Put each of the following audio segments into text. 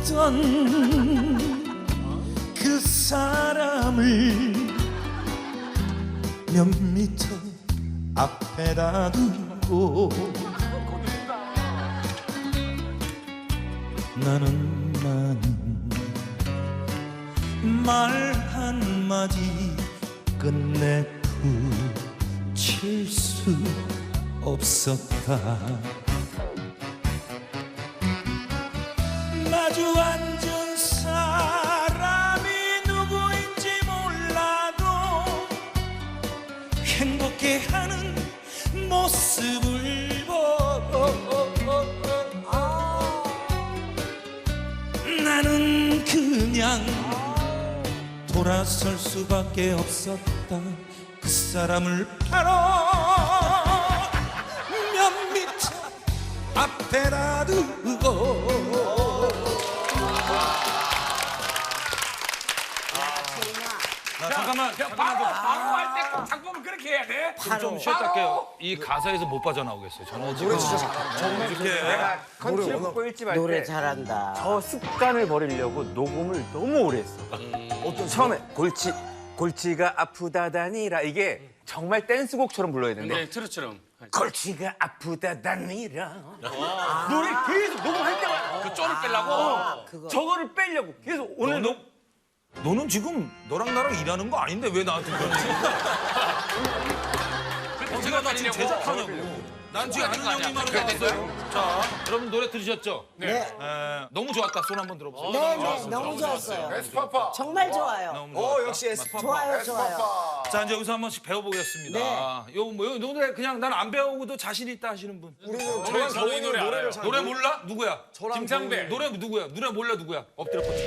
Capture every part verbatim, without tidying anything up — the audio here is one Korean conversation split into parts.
그 사람을 몇 미터 앞에다 두고 나는 나는 말 한마디 끝내 붙일 수 없었다. 마주 앉은 사람이 누구인지 몰라도 행복해하는 모습을 보고 나는 그냥 돌아설 수밖에 없었다. 그 사람을 바로 몇 미터 앞에다 두고. 나 잠깐만, 바로 바로 할 때 꼭 작품을 그렇게 해야 돼? 좀 쉬었다 할게요. 이 가사에서 못 빠져나오겠어요. 저는 지금 정말 이렇게 컨셉 보일지 말때 노래 잘한다. 저 습관을 버리려고 녹음을 너무 오래 했어. 어떤 처음에 골치 골치가 아프다다니라 이게 정말 댄스곡처럼 불러야 되는데 네, 트로트처럼. 골치가 아프다다니라 노래 계속 녹음할 때마다 그 쪼를 빼려고. 그거. 저거를 빼려고 계속 오늘 녹 너는 지금 너랑 나랑 일하는 거 아닌데 왜 나한테 그러지? 제가 나 지금 제작하냐고. 난 지금 아는 형님만 나왔어요. 자, 여러분 노래 들으셨죠? 네. 에, 너무 좋았다. 손 한번 들어보세요. 네, 네, 너무 좋았어요. 에스파파. 정말 좋아요. 너무 좋았다. 역시 에스파파. 좋아요, 좋아요. 자, 이제 여기서 한 번씩 배워보겠습니다. 네. 요, 뭐, 요 노래 그냥 난 안 배우고도 자신 있다 하시는 분. 저는 저희 노래 알아요. 노래 몰라? 누구야? 김창배. 노래 누구야? 노래 몰라 누구야? 엎드려 뻗쳐.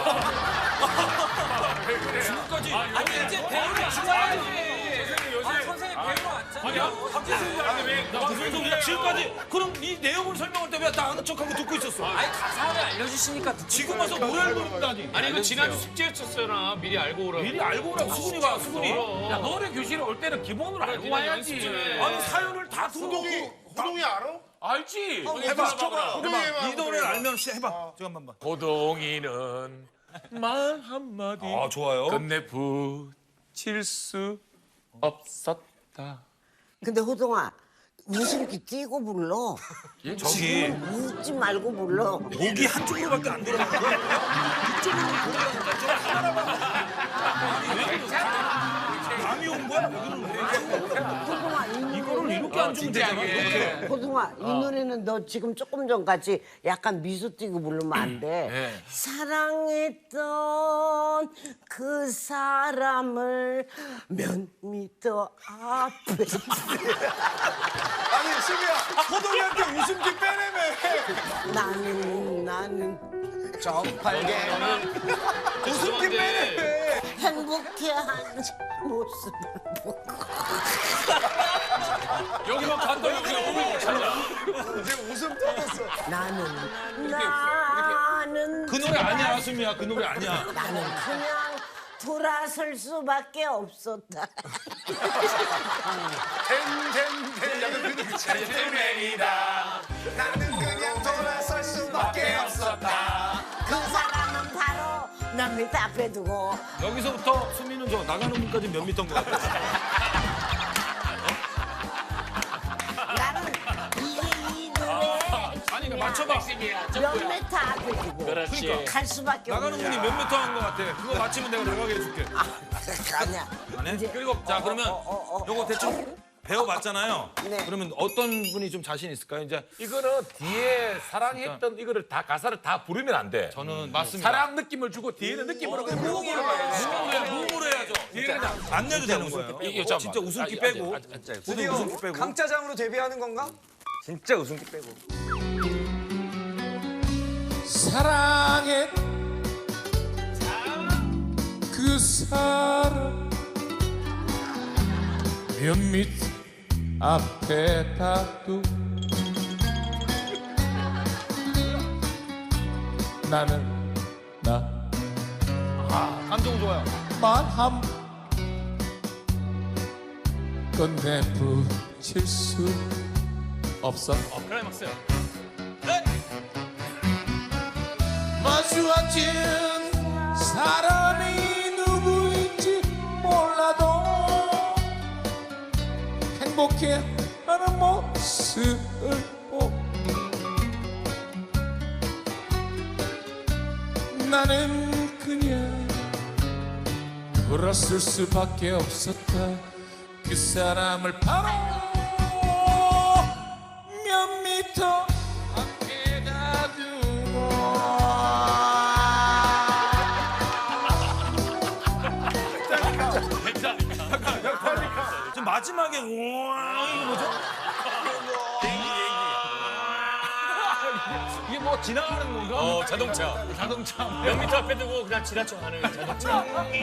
지금까지. 아니 이제 배우를 좋아야지. 아, 선생님 배우러 왔잖아. 무슨 소리야? 지금까지 그럼 이 내용을 설명할 때 왜 나 아는 척하고 듣고 있었어? 아니 가사를 알려주시니까 지금 와서 노래를 부른다니. 아니 이거 지난주 숙제였었잖아. 미리 알고 오라고. 미리 알고 오라고 수근이가 수근이. 야 노래 교실에 올 때는 기본으로 알고 와야지. 아니 사연을 다 들어보고. 호동이 알아? 알지. 해봐. 호동이 해봐. 이 노래를 알면 시- 해봐. 잠깐만 봐. 고동이는 말 한마디 아 좋아요. 끝내 붙일 수 없었다. 근데 호동아, 웃음기 띄고 불러. 저기 웃지 말고 불러. 목이 한쪽으로밖에 안 돌아가는 거야. 이쪽으로 돌아가니까 저 하나만. 아니 왜 그래? 감이 온 거야? 여기는 왜? 호동아, 이 노래, 이거를 이렇게 앉으면 되잖아. 이렇게. 호동아, 이 노래는 너 지금 조금 전까지 약간 미소 띄고 부르면 안 돼. 네. 사랑했던 그 사람을 몇 미터 앞에 아니 수미야, 호동이한테 웃음기 빼내매. 나는 나는 정팔계만 웃음기 빼내매. 행복해하는 모습을 보고 여기만 갔다 여기가 오면 잘라. 이제 웃음 터졌어. 나는 나는 그 노래 아니야, 수미야. 그 노래 아니야. 나는 그냥 돌아설 수밖에 없었다. 땡땡땡 약간 그 느낌. 땡땡이다. 나는 그냥 돌아설 수밖에 없었다. 그 사람은 바로 남 밑에 앞에 두고 여기서부터 수미는 저 나가는 분까지 몇 미터인 것 같아. 나는 이게 이 노래 아니 맞춰봐. 몇 미터 앞에 두고 그렇지. 갈 수밖에 나가는 없는 분이 몇 미터 한 것 같아. 그거 맞히면 내가 나가게 해줄게. 아니야. 안 해? 이제- 그리고 자 그러면 어, 어, 어, 요거 대충 배워봤잖아요. 네. 그러면 어떤 분이 좀 자신 있을까요? 이제 이거는 뒤에 사랑했던 이거를 다 가사를 다 부르면 안 돼. 저는 맞습니다. 사랑 느낌을 주고 뒤에는 느낌으로 그냥 무음으로 가야 돼. 무음으로 무음으로 해야죠. 안 내도 되는 거예요. 이게 어, 잠깐만. 진짜 웃음기 아, 빼고. 아, 아, 아, 아, 모두 웃음기 빼고. 강짜장으로 데뷔하는 건가? 진짜 웃음기 빼고 사랑했 그 사람 몇밑 앞에 다두 나는 나 감정 좋아요. 말함 끝내 붙일 수 없어. 클라이막스야. 마주앉은 사람이 누구인지 몰라도 행복해하는 모습을 보고 나는 그냥 돌아설 수밖에 없었다. 그 사람을 바로 몇 미터 앞에다 두고 지금 마지막에 우와 이거 뭐죠? 이게 뭐 지나가는 건가? 어 자동차 자동차. 몇 미터 앞에 두고 그냥 지나쳐 가는 자동차.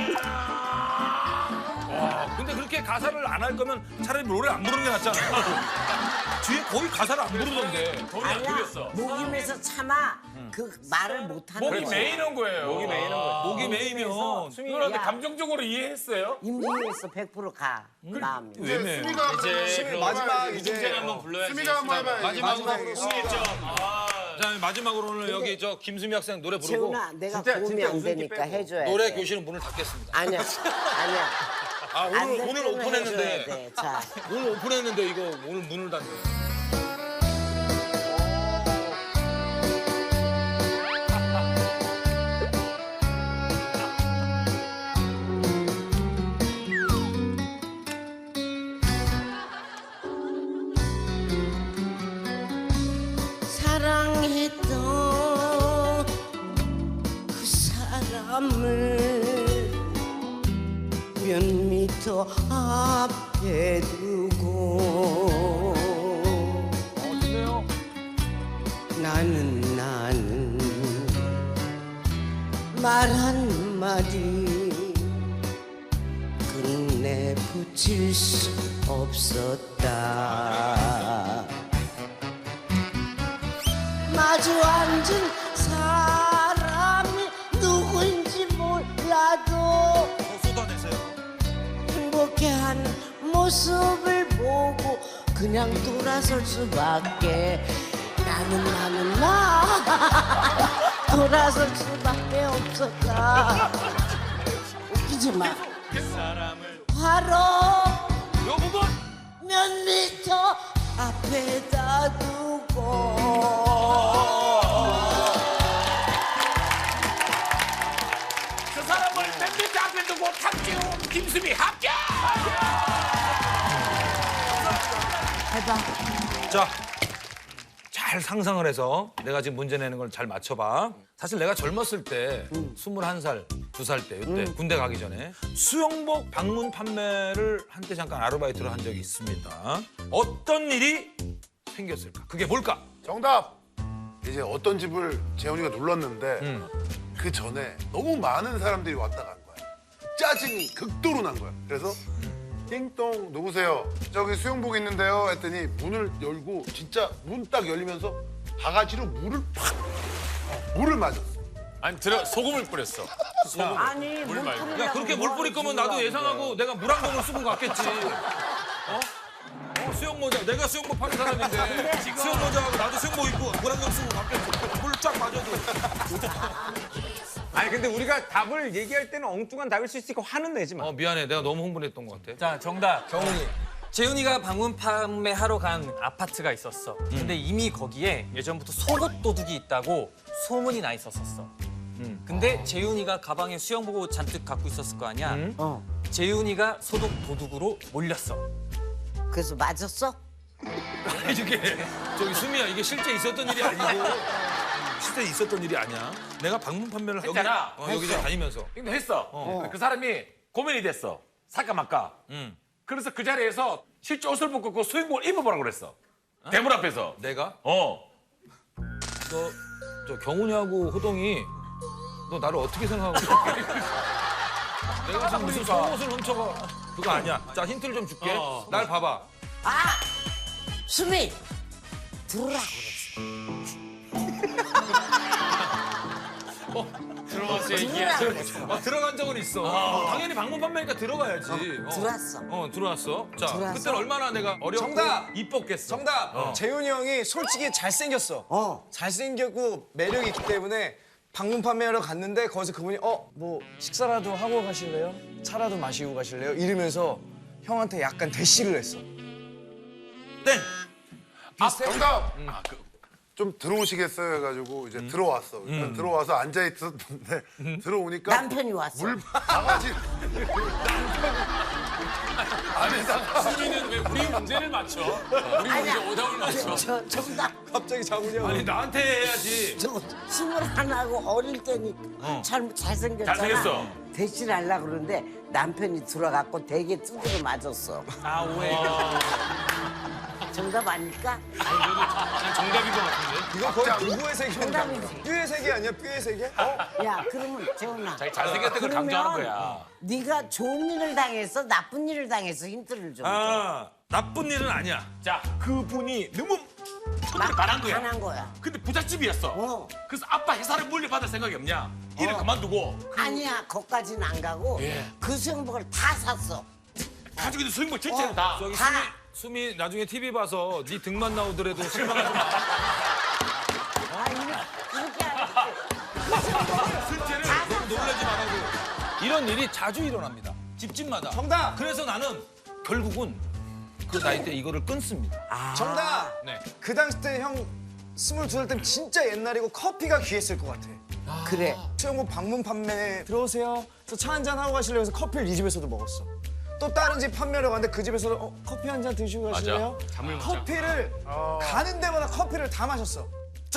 근데 그렇게 가사를 안 할 거면 차라리 노래 안 부르는 게 낫잖아요. 뒤에 거의 가사를 안 부르던데. 돈이 안 들였어. 목임에서 차마 그 말을 못하는 목이 거지. 메이는 거예요. 목이 메이는 거예요. 목이 메이면 그런데 감정적으로 이해했어요? 임진왜에서 백 퍼센트 가 마음이. 왜 메? 이제 마지막 이제 이제 한번 불러야지. 수미가 한번 해봐요. 마지막으로 수미죠. 자 마지막으로 오늘 여기 저 김수미 학생 노래 부르고 재훈아, 내가 도움이 안 되니까 해줘야 노래 돼. 교실은 문을 닫겠습니다. 아니야, 아니야. 아 안 오늘 될 오늘 때는 오픈했는데 해줘야 돼. 자, 오늘 오픈했는데 이거 오늘 문을 닫네. 사랑했던 그 사람을 몇 미터 앞에 두고 나는 나는 말 한마디 끝내 붙일 수 없었다. 마주 앉은 사람이 누구인지 몰라도 더 쏟아내세요. 행복해하는 모습을 보고 그냥 돌아설 수밖에 나는 나는 나 돌아설 수밖에 없었다. 웃기지 마. 바로 요 부분 몇 미터 앞에다 두고 그 사람을 몇 미터 앞에 두고 탁지훈 김수미 합격! 해봐. 자, 잘 상상을 해서 내가 지금 문제 내는 걸 잘 맞춰봐. 사실 내가 젊었을 때, 스물한 살, 두 살 때, 이때 군대 가기 전에 수영복 방문 판매를 한때 잠깐 아르바이트를 한 적이 있습니다. 어떤 일이 생겼을까? 그게 뭘까? 정답! 이제 어떤 집을 재훈이가 눌렀는데 그 전에 너무 많은 사람들이 왔다 간 거야. 짜증이 극도로 난 거야. 그래서 띵동 누구세요? 저기 수영복 있는데요 했더니 문을 열고 진짜 문 딱 열리면서 바가지로 물을 팍 물을 맞았어. 아니 들어 소금을 뿌렸어. 아니 물 뿌리려고 야, 그렇게 물 뿌릴 거면 나도 예상하고 내가 물 한 공을 쓰고 갔겠지. 어? 어, 수영 모자. 내가 수영복 파는 사람인데 수영 모자하고 나도 수영복 입고 물 한 공 쓰고 갔겠지. 물 쫙 맞아도. 아니 근데 우리가 답을 얘기할 때는 엉뚱한 답일 수 있으니까 화는 내지 마. 어, 미안해. 내가 너무 흥분했던 것 같아. 자, 정답. 경훈이. 재훈이가 방문 판매하러 간 아파트가 있었어. 근데 이미 거기에 예전부터 속옷 도둑이 있다고 소문이 나 있었었어. 근데 재훈이가 가방에 수영복을 잔뜩 갖고 있었을 거 아니야. 어. 재훈이가 소독 도둑으로 몰렸어. 그래서 맞았어? 아니, 이게 저기 수미야, 이게 실제 있었던 일이 아니고 실제 있었던 일이 아니야. 내가 방문 판매를 여기, 했잖아. 어, 여기저기 다니면서. 근데 했어. 그 사람이 고민이 됐어. 살까 말까. 응. 그래서 그 자리에서 실제 옷을 벗고 그 수영복을 입어보라고 그랬어. 대문 앞에서. 내가? 어. 너, 저 경훈이하고 호동이 너 나를 어떻게 생각하고 있어? 내가 지금 무슨 속옷을 훔쳐가. 그거 아니야. 자, 힌트를 좀 줄게. 어. 날 봐봐. 아! 수미! 들어라 들어가서 얘기해. 어, 들어간 적은 있어. 어, 당연히 방문 판매니까 들어가야지. 어. 들어왔어. 어, 들어왔어. 자, 들어왔어? 그때는 얼마나 내가 어렵고 정답! 이뻤겠어. 정답! 어. 재훈이 형이 솔직히 잘생겼어. 어. 잘생겼고 매력이 있기 때문에 방문 판매하러 갔는데 거기서 그분이 어 뭐 식사라도 하고 가실래요? 차라도 마시고 가실래요? 이러면서 형한테 약간 대시를 했어. 땡. 아, 정답. 아, 그, 좀 들어오시겠어요 해가지고 이제 들어왔어. 일단 들어와서 앉아 있었는데 들어오니까 남편이 왔어. 물 바가지. 수민이는 왜 우리 문제를 맞춰? 우리 문제 오답을 맞춰. 저 정답. 갑자기 장훈이 아니 나한테 해야지. 저 스물하나고 어릴 때니까 잘 잘생겼잖아. 잘생겼어. 대신 하려고 그러는데 남편이 들어갔고 되게 두드려 맞았어. 아 오해. 정답 아닐까? 정답인 것 같은데. 이거 거의 누구의 세계인가? 정답이지. 뼈의 세계 아니야? 뼈의 세계? 어? 야, 그러면 재훈아. 자기 잘생겼던 걸 강조하는 거야. 네가 좋은 일을 당했어, 나쁜 일을 당했어. 힌트를 좀. 아 나쁜 일은 아니야. 자, 그분이 너무 막 반한 거야. 반한 거야. 근데 부잣집이었어. 어. 그래서 아빠 회사를 물려받을 생각이 없냐? 일을 그만두고 아니야, 거기까지는 안 가고 예. 그 수영복을 다 샀어. 가지고 있는 수익물 전체를 다. 저기 다. 수미 수미 나중에 티비 봐서 네 등만 나오더라도 실망하지 마. 아, 이렇게, 이렇게 하지. 실제를 너무 놀라지 말라고. 이런 일이 자주 일어납니다. 집집마다. 정답! 그래서 나는 결국은 그 나이 때 이거를 끊습니다. 정답! 네. 그 당시 때 형 스물두 살 때면 진짜 옛날이고 커피가 귀했을 것 같아. 그래. 수영복 방문 판매 들어오세요. 그래서 차 한잔 하고 가실래요? 해서 커피를 이 집에서도 먹었어. 또 다른 집 판매하러 갔는데 그 집에서도 어, 커피 한 잔 드시고 가실래요? 잠을 못 커피를 가는 데마다 커피를 다 마셨어.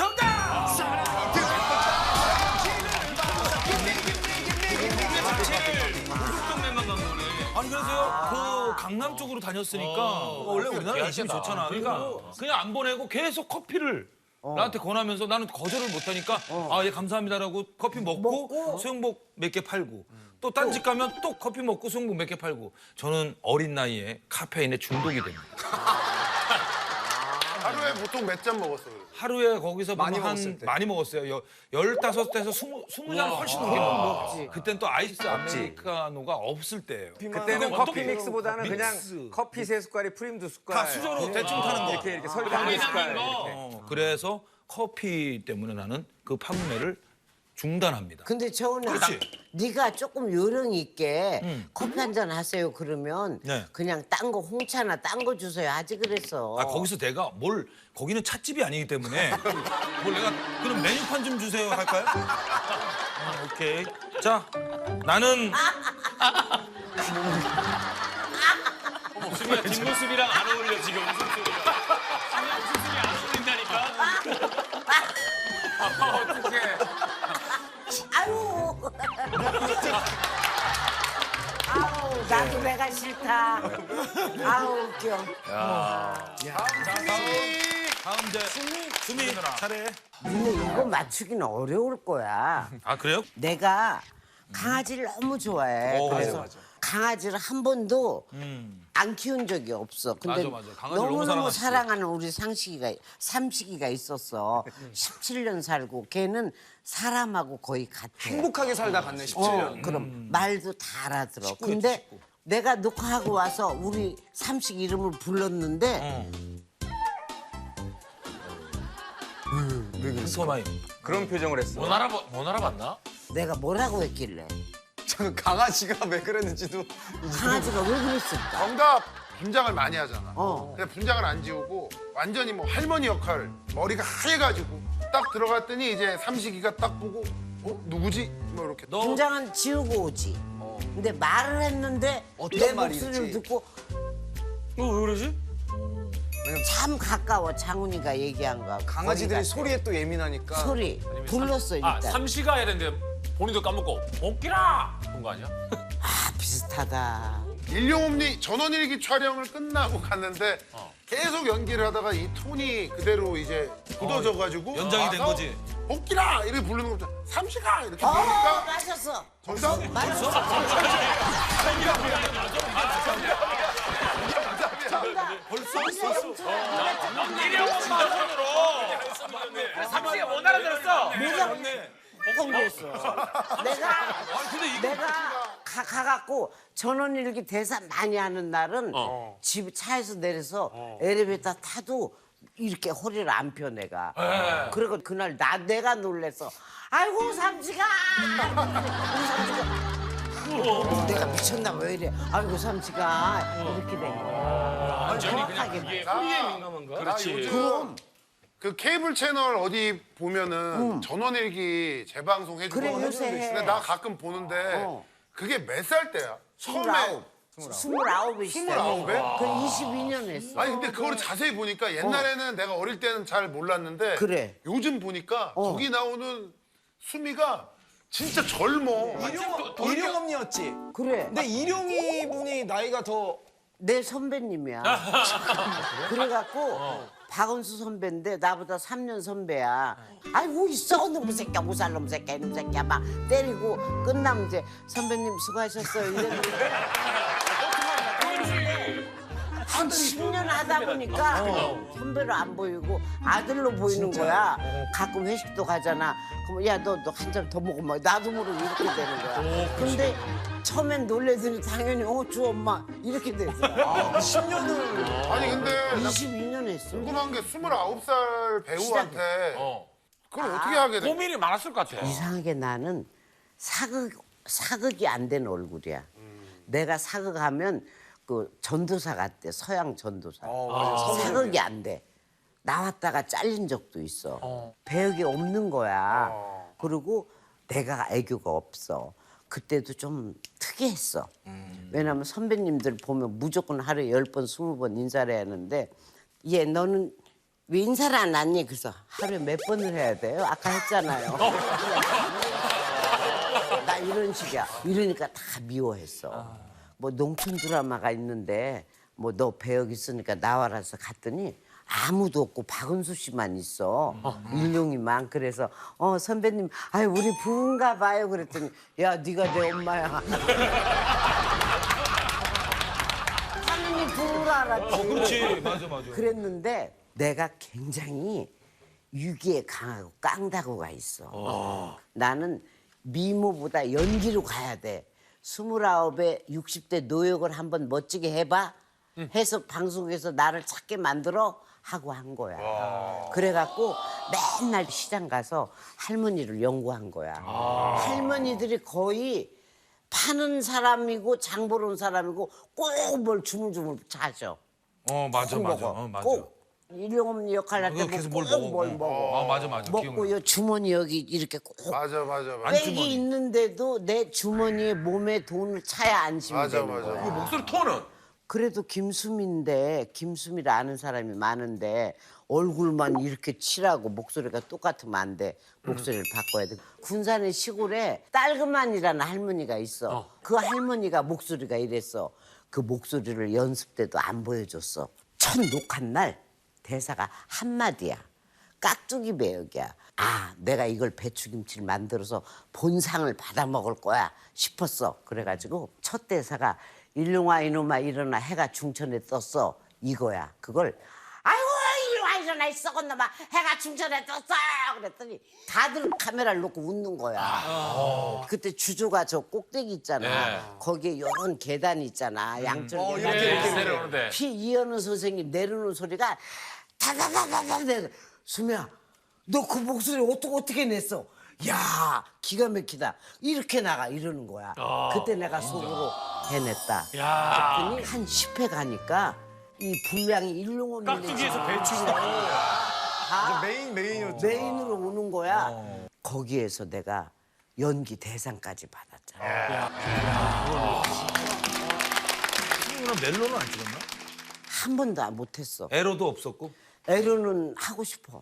아니 그래서요 그 강남 쪽으로 다녔으니까 원래 우리나라 인심이 좋잖아. 그러니까 그냥 안 보내고 계속 커피를 나한테 권하면서 나는 거절을 못하니까 아 예 감사합니다라고 커피 먹고, 수영복 몇 개 팔고 또 딴 집 가면 또 커피 먹고 수영복 몇 개 팔고 저는 어린 나이에 카페인에 중독이 됩니다. 하루에 보통 몇 잔 먹었어? 그래? 하루에 거기서 많이 보면 한 먹었을 때. 많이 먹었어요. 여, 열다섯 대에서 스무 스무 잔 훨씬 넘게 먹었지. 그땐 또 아이스 아메리카노가 없을 때예요. 그때는 어떻게 커피 믹스보다는 그냥 믹스. 커피 세 숟갈에 프림 두 숟갈. 다 수저로 대충 타는 거. 이렇게 이렇게 설탕 한 숟갈. 이렇게. 어, 그래서 커피 때문에 나는 그 판매를 중단합니다. 근데 재훈아, 그렇지. 네가 조금 요령 있게 커피 한 잔 하세요 그러면 네. 그냥 딴 거 홍차나 딴 거 주세요 하지 그랬어. 아 거기서 내가 뭘 거기는 찻집이 아니기 때문에 뭘 내가 그럼 메뉴판 좀 주세요 할까요? 어, 오케이. 자 나는 수미야 뒷모습이랑 안 어울려 지금 웃음소리가. 수미야 웃음소리 안 어울린다니까. 어떡해. 아유. 아우 나도 내가 싫다. 아우 웃겨. 다음 이제 수미 차례. 근데 이거 맞추기는 어려울 거야. 아 그래요? 내가 강아지를 너무 좋아해. 어, 그래서 맞아, 강아지를 한 번도 음. 안 키운 적이 없어. 근데 맞아, 맞아. 강아지를 너무 너무너무 사랑하시지. 사랑하는 우리 상식이가 삼식이가 있었어. 십칠 년 살고 걔는 사람하고 거의 같아. 행복하게 살다 갔네, 십칠 어, 년. 그럼 말도 다 알아들어. 식구였지, 근데 식구. 내가 녹화하고 와서 우리 삼식 이름을 불렀는데 소마이. 그런 표정을 했어. 못 알아봐 못 알아봤나? 내가 뭐라고 했길래 저 강아지가 왜 그랬는지도 강아지가 왜 그랬을까? 정답. 분장을 많이 하잖아. 어. 근데 분장을 안 지우고 완전히 뭐 할머니 역할, 머리가 하얘가지고 딱 들어갔더니 이제 삼식이가 딱 보고 어 누구지? 뭐 이렇게. 너 분장은 지우고 오지. 근데 말을 했는데 어떤 내 말이지? 목소리를 듣고 왜 그러지? 참 가까워 장훈이가 얘기한 거. 강아지들이 소리에 또 예민하니까. 소리 불렀어 아 일단. 삼시가 해야 되는데 본인도 까먹고 복귀라 그런 거 아니야? 아 비슷하다. 일용업리 전원일기 촬영을 끝나고 갔는데 계속 연기를 하다가 이 톤이 그대로 이제 굳어져가지고 연장이 된 와서 거지. 복귀라 이렇게 부르는 거죠. 삼시가 이렇게 어 부르니까 마셨어. 정답. 마셨어. 벌써 벌써. 일회용 마선으로 삼시가 못 알아들었어. 내가 뻥했어. 내가 근데 이거 내가 가, 가갖고 전원일기 대사 많이 하는 날은 어. 집 차에서 내려서 엘리베이터 타도 이렇게 허리를 안 펴 내가. 그리고 그날 나 내가 놀래서 아이고 삼지가 우리 삼지가 내가 미쳤나 왜 이래 아이고 삼지가 이렇게 된 거야. 완전히 그냥 정확하게 그게 나- 소리에 민감한가? 그렇지. 그럼 그 케이블 채널 어디 보면은 전원일기 재방송 해주고 그래, 하는 요새 분들 해. 있는데 나 가끔 보는데 어. 그게 몇 살 때야? 스물아홉 스물아홉에 스물아홉에? 그 이십이 년 했어. 아니 근데 그걸 자세히 보니까 옛날에는 내가 어릴 때는 잘 몰랐는데 그래. 요즘 보니까 어. 거기 나오는 수미가 진짜 젊어. 일용, 일용 언니였지. 그래. 근데 일용이 분이 나이가 더 내 선배님이야. 그래갖고 박은수 선배인데 나보다 삼 년 선배야. 아이고 있어 놈의 새끼야 무살 놈 새끼야 이놈 새끼야 막 때리고 끝나면 이제 선배님 수고하셨어요 이랬는데 한 십 년 하다 보니까 선배로 안 보이고 아들로 보이는 거야. 가끔 회식도 가잖아. 그럼 야 너 너 한 잔 더 먹어 막 나도 모르고 이렇게 되는 거야. 근데 처음엔 놀래더니 당연히 어 주 엄마 이렇게 되더라. 십 년을 아니 근데 나 이십이 년 했어. 궁금한 게 스물아홉 살 배우한테 어. 그걸 어떻게 하게 돼? 고민이 많았을 것 같아. 이상하게 나는 사극 사극이 안 된 얼굴이야. 내가 사극하면 그 전도사 같대 서양 전도사. 사극이 안 돼. 나왔다가 잘린 적도 있어. 배역이 없는 거야. 그리고 내가 애교가 없어. 그때도 좀 특이했어. 왜냐면 선배님들 보면 무조건 하루에 열 번, 스무 번 인사를 해야 하는데 얘 너는 왜 인사를 안 하니? 그래서 하루에 몇 번을 해야 돼요? 아까 했잖아요. 나 이런 식이야. 이러니까 다 미워했어. 뭐 농촌 드라마가 있는데 뭐 너 배역 있으니까 나와라서 갔더니 아무도 없고 박은수 씨만 있어. 일용이만. 그래서 어 선배님 아유 우리 부부인가 봐요. 그랬더니 야 네가 내 엄마야. 당연히 부부를 알았지. 어, 그렇지. 맞아, 맞아. 그랬는데 내가 굉장히 유기에 강하고 깡다구가 있어. 나는 미모보다 연기로 가야 돼. 스물아홉에 육십 대 노역을 한번 멋지게 해봐. 해서 방송에서 나를 찾게 만들어 하고 한 거야. 그래갖고 맨날 시장 가서 할머니를 연구한 거야. 할머니들이 거의 파는 사람이고 장 보러 온 사람이고 꼭 뭘 주물주물 자셔. 어, 맞아, 꼭 맞아. 먹어. 어, 맞아. 꼭 일용엄니 역할 할 그거 때 계속 뭘 꼭 먹어. 뭘 어. 먹어. 아, 맞아, 맞아. 먹고 기억나. 요 주머니 여기 이렇게 꼭 맞아 맞아 맞아. 백이 있는데도 내 주머니에 몸에 돈을 차야 안심이 맞아 되는 맞아. 거야. 목소리 톤은? 그래도 김수미인데 김수미를 아는 사람이 많은데 얼굴만 이렇게 칠하고 목소리가 똑같으면 안 돼. 목소리를 바꿔야 돼. 군산의 시골에 딸그만이라는 할머니가 있어. 그 할머니가 목소리가 이랬어. 그 목소리를 연습 때도 안 보여줬어. 첫 녹화 날 대사가 한마디야. 깍두기 배역이야. 아, 내가 이걸 배추김치를 만들어서 본상을 받아 먹을 거야 싶었어. 그래가지고 첫 대사가 일용아 이놈아 일어나 해가 중천에 떴어 이거야. 그걸 아이고 일용아 일어나 이 썩은 놈아 해가 중천에 떴어 그랬더니 다들 카메라를 놓고 웃는 거야. 그때 주조가 저 꼭대기 있잖아. 거기에 이런 계단이 있잖아. 양쪽 어, 계단. 이렇게, 이렇게, 내려오는데. 피 이현우 선생님 내려오는 소리가 다다다다다 내려. 수미야 너 그 목소리 어떻게 어떻게 냈어? 야 기가 막히다. 이렇게 나가 이러는 거야. 그때 내가 속으로 해냈다. 그랬더니 한 십 회 가니까 이 분량이 일용엄니 깍두기에서 배추가. 다 메인 메인이었죠. 메인으로 오는 거야. 거기에서 내가 연기 대상까지 받았잖아. 친구는 멜로는 안 찍었나? 한 번도 안 못했어. 에러도 없었고? 에로는 하고 싶어.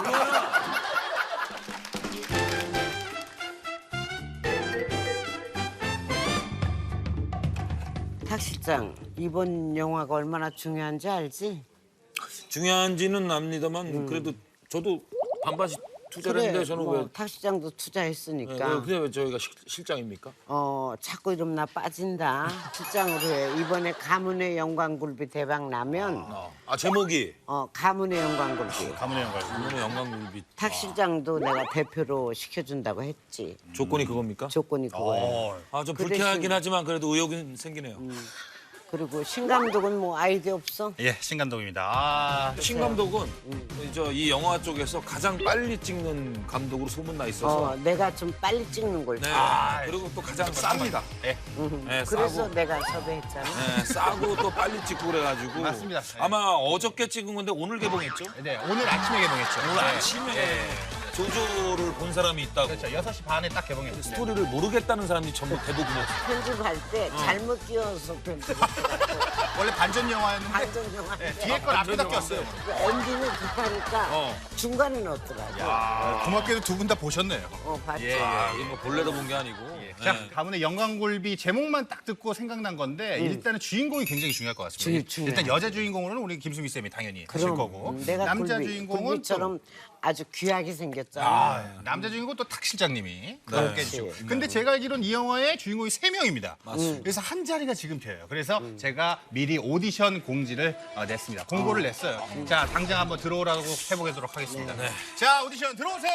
탁 실장, 이번 영화가 얼마나 중요한지 알지? 중요한지는 압니다만 그래도 저도 반반씩 투자를 했는데 저는 뭐, 왜 탁 실장도 네, 투자했으니까. 왜, 왜 저희가 실, 실장입니까? 어, 자꾸 이러면 나 빠진다. 실장으로 해. 이번에 가문의 영광굴비 대박 나면 아 제목이 어, 가문의 영광굴비. 가문의 영광. 너무 영광굴비 탁 실장도 내가 대표로 시켜준다고 했지. 조건이 그겁니까? 조건이 그거예요. 아 좀 그 불쾌하긴 대신- 하지만 그래도 의욕은 생기네요. 그 그리고 신 감독은 뭐 아이디어 없어? 예, 신감독입니다. 아, 신 감독은 저 이 영화 쪽에서 가장 빨리 찍는 감독으로 소문나 있어서. 어, 내가 좀 빨리 찍는 걸. 네. 좋아해. 그리고 또 가장 쌉니다. 예. 네, 그래서 싸고. 내가 섭외했잖아. 네, 싸고 또 빨리 찍고 그래가지고. 맞습니다. 네. 아마 어저께 찍은 건데 오늘 개봉했죠? 네, 오늘 아침에 개봉했죠. 오늘 아침에 조조를 본 사람이 있다고. 그렇죠. 여섯 시 반에 딱 개봉했어요. 스토리를 모르겠다는 사람이 전부 대부분이었어요. 편집할 때 어. 잘못 끼워서 편집했어. 원래 반전 영화였는데 반전 영화. 네, 뒤에 걸 앞에다 꼈어요. 엔딩을 급하니까 어. 중간에 넣었더라고. 아, 고맙게도 두 분 다 보셨네요. 어, 봤지. 예, 예. 아, 이거 뭐 본래로 본 게 아니고. 자, 네. 가문의 영광골비 제목만 딱 듣고 생각난 건데 일단은 주인공이 굉장히 중요할 것 같습니다. 중- 중요해. 일단 여자 주인공으로는 우리 김수미 쌤이 당연히 하실 그럼 거고 음, 내가 남자 굴비, 주인공은 굴비처럼 아주 귀하게 생겼잖아. 아, 남자 주인공 또 탁 실장님이 함께 해주시고. 근데 제가 알기로는 이 영화의 주인공이 세 명입니다. 맞습니다. 그래서 한 자리가 지금 비어요. 그래서 제가 미리 오디션 공지를 어, 냈습니다. 공고를 냈어요. 자, 당장 한번 들어오라고 해보도록 하겠습니다. 자, 오디션 들어오세요.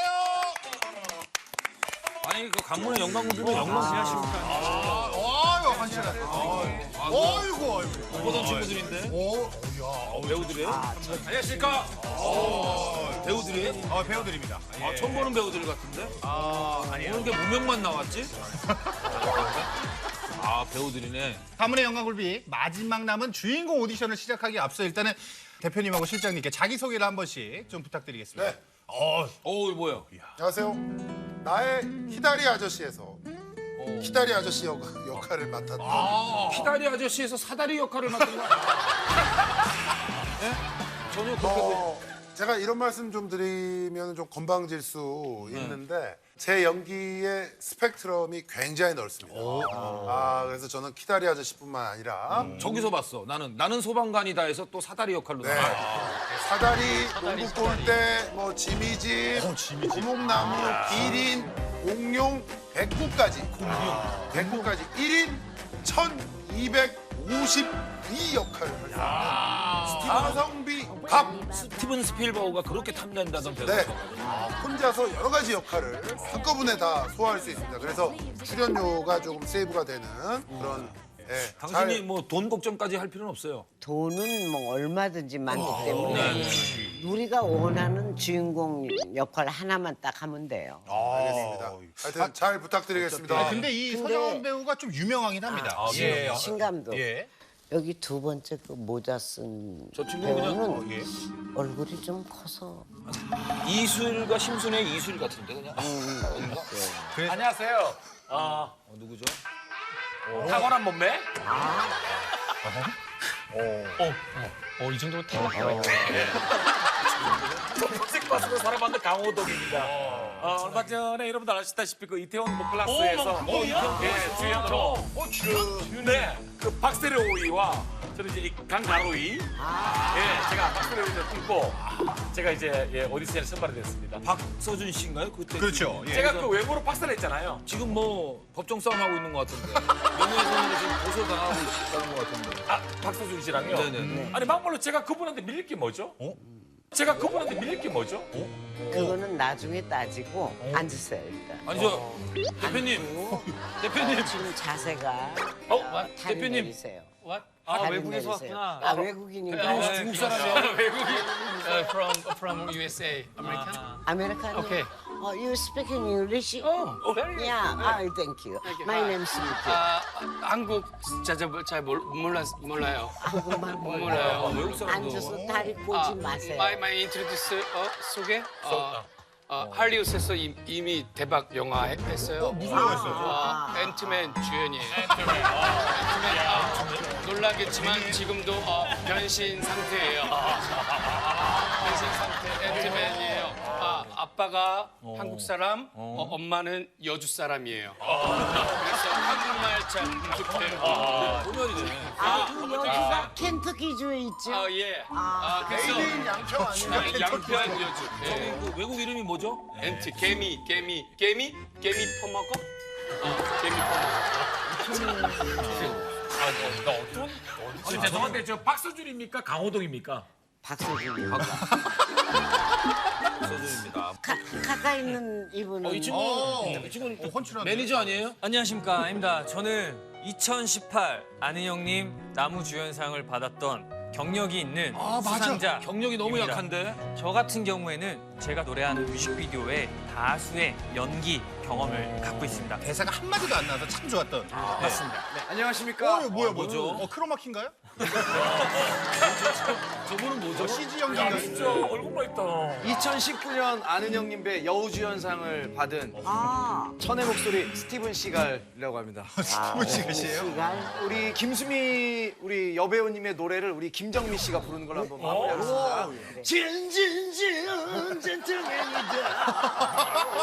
아니 그 간문의 영광군들은 영광 지하십니까? 아유, 환실하네. 어이구, 어이구. 보던 친구들인데. 오, 야, 배우들이에요? 안녕하십니까? 배우들이에요? 어, 배우들입니다. 아, 처음 보는 배우들 같은데? 아, 아니에요. 오늘 게 무명만 나왔지? 아 배우들이네. 가문의 영광굴비 마지막 남은 주인공 오디션을 시작하기 앞서 일단은 대표님하고 실장님께 자기소개를 한 번씩 좀 부탁드리겠습니다. 네. 어, 어우 뭐야? 안녕하세요. 나의 히다리 아저씨에서 히다리 아저씨 역, 역할을 맡았던 피다리 아저씨에서 사다리 역할을 맡은 거 아니야? 예? 전혀 그렇게 보 어, 제가 이런 말씀 좀 드리면 좀 건방질 수 있는데 제 연기의 스펙트럼이 굉장히 넓습니다. 아 그래서 저는 키다리 아저씨뿐만 아니라 저기서 봤어. 나는 나는 소방관이다에서 또 사다리 역할로 네. 나와. 사다리, 농구 골대, 뭐 지미집, 고목나무, 기린, 공룡, 백구까지. 백구까지 일 인 천이백오십이 역할을 했습니다. 가성비 갑. 스티븐 스필버그가 그렇게 탐낸다던 배우가 네. 있어가지고. 혼자서 여러 가지 역할을 한꺼번에 다 소화할 수 있습니다. 그래서 출연료가 조금 세이브가 되는 그런 예, 당신이 잘- 뭐 돈 걱정까지 할 필요는 없어요. 돈은 뭐 얼마든지 많기 때문에 우리가 원하는 주인공 역할 하나만 딱 하면 돼요. 알겠습니다. 하여튼 잘 부탁드리겠습니다. 근데 이 근데- 서정원 배우가 좀 유명하긴 합니다. 예. 신감독. 예. 여기 두 번째 그 모자 쓴 저 친구 그냥 배우는 어, 예. 얼굴이 좀 커서 이술과 심순의 이술 같은데 그냥. 어딘가? 안녕하세요. 어, 어, 누구죠? 탁월한 몸매? 어, 이 정도면 대박. 검색 봤으면 살아봤는 강호동입니다. 어, 얼마 전에 여러분들 아시다시피 그 이태원 뭐 클라스에서 예, 주연으로 그, 네, 그 박세로이와 저는 이제 이 강가로이 예, 제가 박세로이를 뚫고 제가 이제 예, 오디션에 선발이 됐습니다. 박서준 씨인가요? 그때 그렇죠. 예. 제가 그 외모로 박사를 했잖아요. 지금 뭐 법정 싸움 하고 있는 것 같은데 명예훼손으로 지금 고소 당하고 있다는 것 같은데. 아, 박서준 씨랑요. 네네. 아니 막말로 제가 그분한테 밀릴 게 뭐죠? 제가 그분한테 밀릴 게 뭐죠? 그거는 나중에 따지고 앉으세요 일단. 아니 저 대표님, 대표님. 지금 자세가 어? 다리 대표님. 내리세요. What? 다리 아, 외국에서 내리세요. 왔구나. 아 외국인인가? 아, 중국 사람이야. 외국인. Uh, from from U S A, American. 아메리카노. Okay. Oh, you speaking English? Oh, very good. Yeah, ah, thank you. My name is Smith. 아, 한국 잘 몰라 몰라요. 그것만 몰라요. 외국 사람도. 앉아서 다리 꼬지 마세요. 마이 마이 인트로듀스 어, 소개? 어, 어, 할리우드에서 이- 이미 대박 영화 했- 했어요. 무슨 영화 했어요? 어, 앤트맨 주연이에요. 앤트맨. 어, 놀라겠지만 지금도 어, 변신 상태예요. 변신 상태 앤트맨이에요. 아, 아빠가 한국 사람, 어, 엄마는 여주 사람이에요. 그래서 한국말 잘 부족해요. 소년이네. 아, 그 여기가 켄터키주에 있죠? 아, 예. 아, 그래서 양평 아니에요? 양평 여주. 저기 예. 그 외국 이름이 뭐죠? 엠티 개미 개미 개미 개미 퍼먹어? 어 개미 퍼먹어. 나 어떤? 어, 죄송한데 저 박서준입니까? 강호동입니까? 박서준입니다. 서준입니다. 가, 가까이 있는 이분은 이 친구, 이 친구는 어, 헌칠한데. 매니저 아니에요? 안녕하십니까, 아닙니다. 저는 이천십팔 안희영님 나무주연상을 받았던 경력이 있는 수상자. 경력이 너무 입니다. 약한데. 저 같은 경우에는 제가 노래하는 뮤직비디오에 다수의 연기 경험을 갖고 있습니다. 대사가 한마디도 안 나와서 참 좋았던. 맞습니다. 안녕하십니까? 어, 이거 뭐야, 뭐죠? 어, 크로마키인가요? 저분은 뭐죠? 씨지 연기인가요? 진짜 얼굴만 있다. 이천십구 년 아는형님 배 여우주연상을 받은 아, 천의 목소리 스티븐 시갈이라고 합니다. 스티븐 씨가 씨예요? 시간. 우리 김수미 우리 여배우님의 노래를 우리 김정미 씨가 부르는 걸로 한번 마무리하겠습니다. 진진진 젠틀맨이다.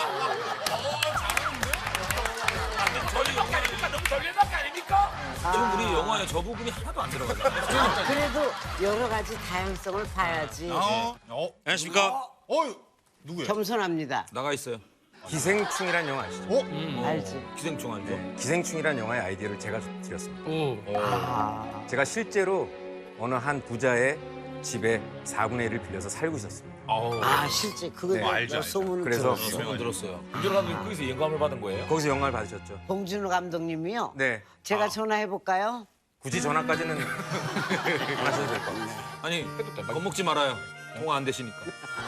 저희 영화 아닙니까? 너무 전례밖에 아닙니까? 지금 우리 영화에 저 부분이 하나도 안 들어가잖아요. 그래도 여러 가지 다양성을 봐야지. 어? 어? 안녕하십니까? 어? 누구예요? 겸손합니다. 나가 있어요. 기생충이란 영화 아시죠? 어? 알지? 기생충 아니죠? 기생충이란 영화의 아이디어를 제가 드렸습니다. 오. 아, 제가 실제로 어느 한 부자의 집에 사분의 일을 빌려서 살고 있었습니다. 아 실제 그거 네, 알죠, 알죠. 소문을 그래서 들었어. 소문 들었어요. 김준호 감독님 거기서 영감을 받은 거예요? 거기서 영화를 받으셨죠? 봉준호 감독님이요. 네. 제가 전화해 볼까요? 굳이 전화까지는 안 하셔도 될 것 같아요. 아니, 겁먹지 말아요. 통화 안 되시니까.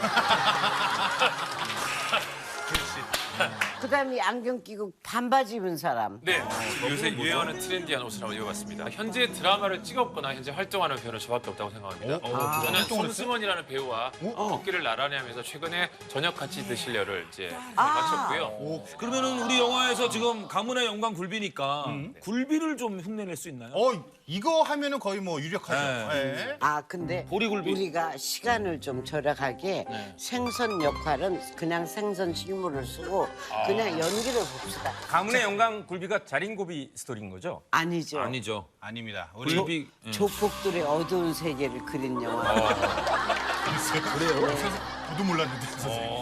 그다음에 안경 끼고 반바지 입은 사람. 네, 요새 유행하는 트렌디한 옷을 한번 입어봤습니다. 현재 드라마를 찍었거나 현재 활동하는 배우는 저밖에 없다고 생각합니다. 저는 손승원이라는 배우와 어깨를 나란히 하면서 최근에 저녁 같이 드실려를 이제 마쳤고요. 그러면은 우리 영화에서 지금 가문의 영광 굴비니까 굴비를 좀 흉내낼 수 있나요? 어, 이거 하면은 거의 뭐 유력하죠. 네. 네. 아 근데 보리굴비. 우리가 시간을 좀 절약하게 생선 역할은 그냥 생선 실물을 쓰고 그냥 연기를 봅시다. 가문의 영광 굴비가 자린고비 스토리인 거죠? 아니죠. 아니죠. 아닙니다. 우리 굴비. 예. 조폭들의 어두운 세계를 그린 영화. 저도 몰랐는데. 선생님.